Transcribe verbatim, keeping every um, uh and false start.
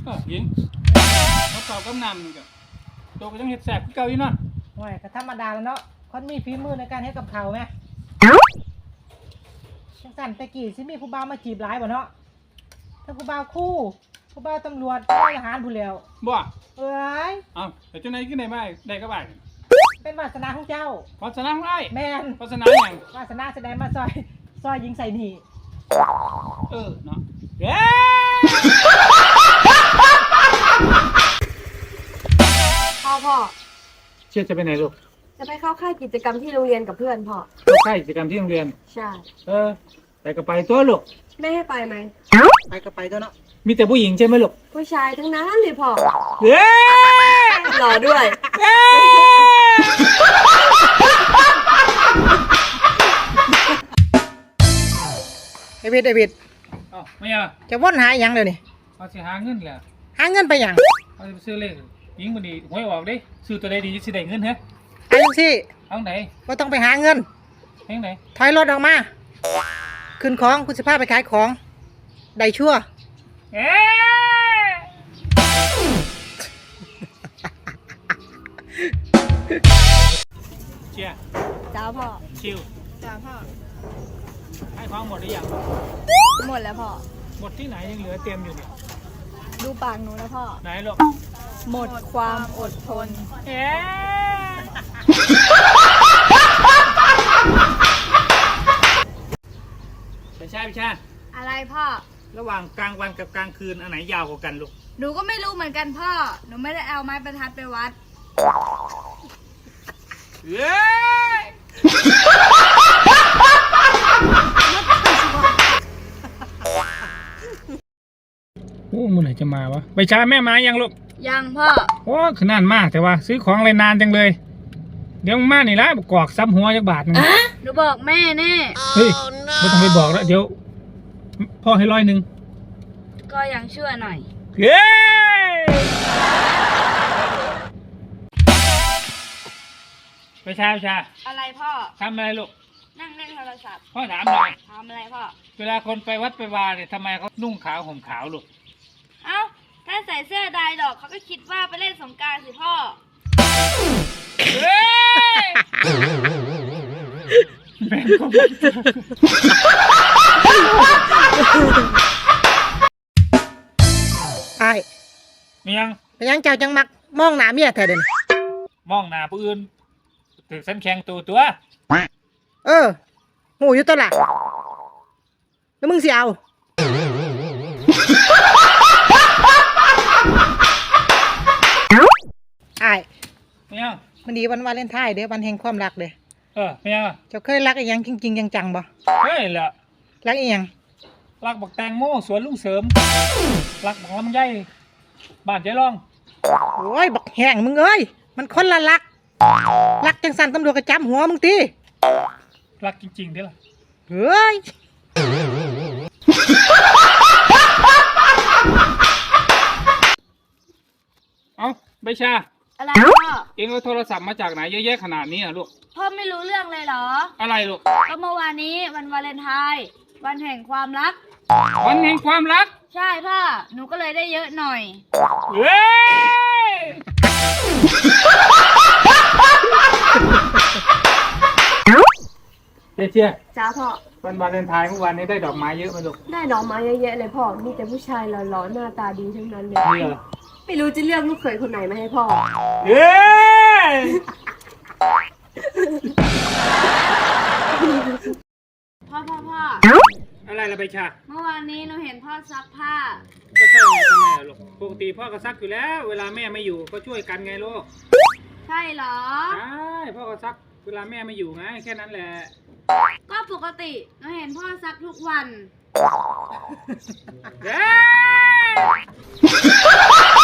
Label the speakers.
Speaker 1: เออยิงเขาเป่ากำนำนี่ก็ตัวก็ต้องเห็ดแสบเก่าอยู่เนาะ
Speaker 2: โอ้ยก็ธรรมดาแล้วเนาะคนมีฝีมือในการเฮ็ดกับข้าวไหมจังสั่นตะกี้สิมีผู้บ่าวมาจีบหลายบ่เนาะทั้งผู้บ่าวคู่ผู้บ่าวตำรวจผู้ทหารผู้แล้ว
Speaker 1: บ่
Speaker 2: เอ้ย
Speaker 1: เอ้าแต่เจ้าไหนขึ้นได้บ้างได้ก็บ้าง
Speaker 2: เป็นวาสนาของเจ้า
Speaker 1: วัฒนาของไอ้
Speaker 2: แม่น
Speaker 1: วัฒนาอย่าง
Speaker 2: วาสนาแสดงมาซอยซอยยิงใส่หนี
Speaker 1: เออเนาะเย้
Speaker 3: พ่อพ่อ
Speaker 1: เชื่อจะไปไหนลูก
Speaker 3: จะไปเข้าค่ายกิจกรรมที่โรงเรียนกับเพื่อนพ่อ
Speaker 1: เข้าค่ายกิจกรรมที่โรงเรียน
Speaker 3: ใช่
Speaker 1: เออไปก็ไปตัวลูก
Speaker 3: ไม่ให้ไปไหม
Speaker 2: ไปก็ไปตัวเนาะ
Speaker 1: มีแต่ผู้หญิงใช่ไหมลูก
Speaker 3: ผู้ชายทั้งนั้นเลยพ่อ
Speaker 1: เย้
Speaker 3: หล่อด้วย
Speaker 2: ไอวิดไอวิด
Speaker 1: อ๋อไม่เอา
Speaker 2: จะว่นหาอย่างเดี๋ยวนี้
Speaker 1: เขาจะหาเงินแหละ
Speaker 2: หาเงินไปอย่าง
Speaker 1: เขาจะไปซื้อเลขยิงมันดีหวยออกดิซื้อตัวใดดีสิได้เงินเหรอ
Speaker 2: ไอ้ยังสิ
Speaker 1: เอาไหน
Speaker 2: ว่าต้องไปหาเงิน
Speaker 1: เฮงไหน
Speaker 2: ถอยรถออกมาขึ้นของคุณสิพาไปขายของได้ชั่ว
Speaker 1: เอ๊เชีย
Speaker 3: จ้าพ่อ
Speaker 1: ชิว
Speaker 3: จ้าพ่อ
Speaker 1: ให้ของหมดหรือยัง
Speaker 3: หมดแล้วพ่อ
Speaker 1: หมดที่ไหนยังเหลือเต็มอยู่เนี่ย
Speaker 3: ดูปากหนูนะพ่อ
Speaker 1: ไหนลูก
Speaker 3: หมดความอดทน
Speaker 1: เอ๊ไปใช่ไปใช่
Speaker 3: อะไรพ่อ
Speaker 1: ระหว่างกลางวันกับกลางคืนอันไหนยาวกว่ากันลูก
Speaker 3: หนูก็ไม่รู้เหมือนกันพ่อหนูไม่ได้เอาไม้บรรทัดไปวัด
Speaker 1: เย้โอ้เมื่อไหร่จะมาวะไปช้าแม่มายังลูก
Speaker 3: ยังพ่อ
Speaker 1: โอ้ขนาดมากแต่ว่าซื้อของอะไรนานจังเลยเดี๋ยวมานี่ละกอกซ้ำหัวจักบาทนึง
Speaker 3: หนูบอกแม่แน่
Speaker 1: เฮ้ยไม่ต้องไปบอกแล้วเดี๋ยวพ่อให้ร้อยหนึ่ง
Speaker 3: ก็ยังเชื่อหน่อย
Speaker 1: เย้ไปช้าไปช้า
Speaker 3: อะไรพ่อ
Speaker 1: ทำอะไรลูก
Speaker 3: นั่งเล่นโทรศัพท์
Speaker 1: พ่อถามหน่อย
Speaker 3: ทำอะไรพ่อ
Speaker 1: เวลาคนไปวัดไปวาเนี่ยทำไมเขานุ่งขาวห่มขาวลูก
Speaker 3: เอ้าถ้าใส่เสื้อดายดอกเขาก็คิดว่าไปเล่นสงกรานต์สิพ่อ
Speaker 1: เฮ้ยแม่ก็
Speaker 2: ไอ้
Speaker 1: เมียง
Speaker 2: ไปยังเจ้าจังมักมองหน้าเมียแท้เด่น
Speaker 1: มองหน้าผู้อื่นถือสันแข็งตัวตัว
Speaker 2: เออหูอยู่ตัวละแล้วมึงสิเอาไอ้
Speaker 1: เมียง
Speaker 2: มันดีวันวาเลนไทน์เด้อวันแห่งความรักเด้อ
Speaker 1: เออเมียง
Speaker 2: เจ้าเคยรักอีหยังจริงๆจังๆบ่
Speaker 1: เฮ้ยแหละ
Speaker 2: รักอีหยัง
Speaker 1: รักบักแตงโมสวนลุงเสริมรักบักลำไยบ้านใจร่อง
Speaker 2: โอ้ยบักแห้งมึงเอ้ยมันคนละรักรักจังสันตำรวจกระจำหัวมึงตี
Speaker 1: รักจริงๆเด้อล่ะ
Speaker 2: เฮ้ย
Speaker 1: เอาใบชา
Speaker 3: อะไรพ่อ
Speaker 1: เอ็งเอาโทรศัพท์มาจากไหนเยอะแยะขนาดนี้อ่ะลูก
Speaker 3: พ่อไม่รู้เรื่องเลยเหรอ
Speaker 1: อะไรลูก
Speaker 3: ก็เมื่อวานนี้วันวาเลนไทน์วันแห่งความรัก
Speaker 1: วันแห่งความรัก
Speaker 3: ใช่พ่อหนูก็เลยได้เยอะหน่อย
Speaker 1: เฮ้ยเจ๊เจ๊
Speaker 3: จ้าพ่อ
Speaker 1: วันวาเลนไทน์เมื่อวานนี้ได้ดอกไม้เยอะไหมลูก
Speaker 3: ได้ดอกไม้เยอะแยะเลยพ่อมีแต่ผู้ชายหล่อๆหน้าตาดีทั้งนั้นเลยไม่รู้จะเลือกลูกเขยคนไหนมาให้พ่อ
Speaker 1: เย้
Speaker 3: พ่อพ่อพ่อ
Speaker 1: อะไรละใบชา
Speaker 3: เมื่อวานนี้หนูเห็นพ่อซักผ้า
Speaker 1: ก็ใช่ไงทำไมอะลูกปกติพ่อก็ซักอยู่แล้วเวลาแม่ไม่อยู่ก็ช่วยกันไงลูก
Speaker 3: ใช่เหรอ
Speaker 1: ใช่พ่อก็ซักเวลาแม่ไม่อยู่ไงแค่นั้นแหละ
Speaker 3: ก็ปกติหนูเห็นพ่อซักทุกวัน
Speaker 1: เย้